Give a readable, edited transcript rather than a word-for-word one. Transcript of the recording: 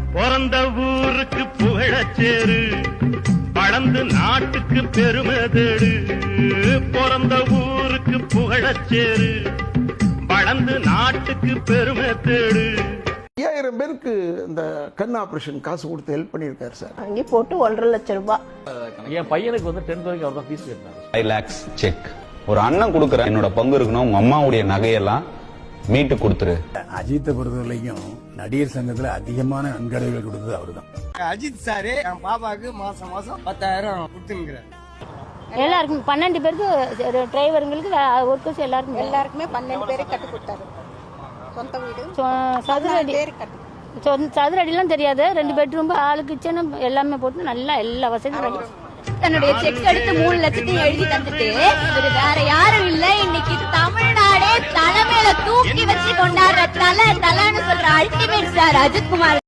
பிறந்த ஊருக்கு புகழச்சேரு, வளர்ந்து நாட்டுக்கு பெருமை தேடு. பிறந்த ஊருக்கு புகழச்சேரு, வளர்ந்து நாட்டுக்கு பெருமை தேடு. 5000 பேருக்கு இந்த கண் ஆபரேஷன் காசு கொடுத்து ஹெல்ப் பண்ணியிருக்காரு சார். அங்கே போட்டு 1.5 லட்சம் ரூபாய். என் பையனுக்கு வந்து 10th வரைக்கும் அவர் தான் ஃபீஸ் கட்டினாரு. 5 lakhs check. ஒரு அண்ணன் கொடுக்குற என்னோட பங்கு இருக்கணும், உங்க அம்மாவுடைய நகையெல்லாம் மீட்டு கொடுத்துரு. அஜித்தை பொறுத்தவரைக்கும் நடிகர் சங்கத்துல அதிகமான நன்கொடைகள் கொடுத்தது அவருதான். அஜித் சாரு என் பாப்பாவுக்கு மாசம் 10,000 கொடுத்துருக்கிறார். எல்லாருக்கும் 12 பேருக்கு டிரைவருங்களுக்கு ஒர்க்கர்ஸ் எல்லாருக்குமே 12 பேரை கட்டி கொடுத்தாரு. சொந்த வீடு சதுரடி சதுரடிலாம் தெரியாது. 2 பெட்ரூம், ஆளு கிச்சன் எல்லாமே போட்டு நல்லா எல்லா வசதியும். தன்னுடைய செக் எடுத்து 3 லட்சத்தையும் எழுதி தந்துட்டு இது வேற யாரும் இல்ல, இன்னைக்கு தமிழ்நாடே தலைமையில தூக்கி வச்சு கொண்டாடுற தலைன்னு சொல்ற அல்டிமேட் ஸ்டார் அஜித்குமார்.